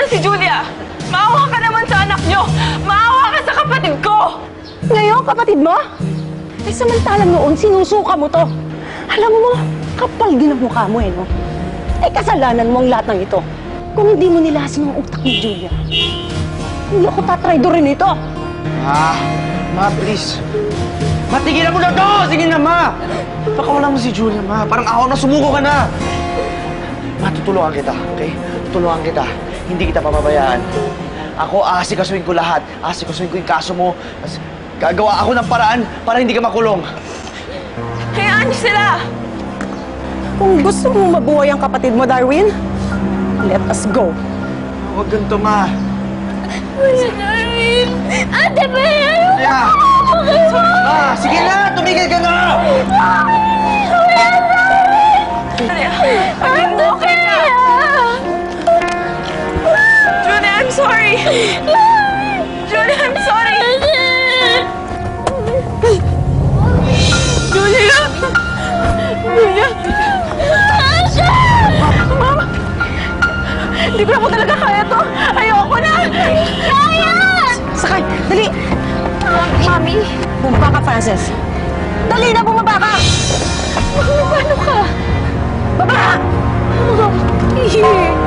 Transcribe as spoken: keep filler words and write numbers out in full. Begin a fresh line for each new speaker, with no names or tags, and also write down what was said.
si Julia! Maawa ka naman sa anak nyo! Maawa ka sa kapatid ko!
Ngayon, kapatid mo? Eh, samantalang noon, sinusuka mo to. Alam mo, kapal din ang mukha mo eh, no? Eh, kasalanan mo ang lahat ng ito. Kung hindi mo nilasin ang utak ni Julia, hindi ako tatraidorin ito.
Ma, ma, please. Ma, tigilan mo na to! Sige na, ma! Pakawalan mo si Julia, ma. Parang ako na sumuko ka na. Ma, tutulungan kita, okay? Tutulungan kita. Hindi kita pababayaan. Ako, aasikasuhin ko lahat. Aasikasuhin ko yung kaso mo. As, gagawa ako ng paraan para hindi ka makulong.
Hayaan niyo sila!
Kung gusto mo mabuhay ang kapatid mo, Darwin, let us go.
Huwag ganito, ma.
Kuya Darwin! Ate Bea!
Yeah. Ma, sige na! Tumigil ka na!
Kuya Darwin! Ate Bea! Julia, I'm sorry! Julia, I'm sorry! Julia! Julia! Asha! Mama! Hindi ko na po talaga kaya to! Ayoko na! Kaya!
Sakay! Dali!
Mami!
Bumaba ka, Frances. Dali na, bumaba ka!
Paano ka?
Baba!
Ihi!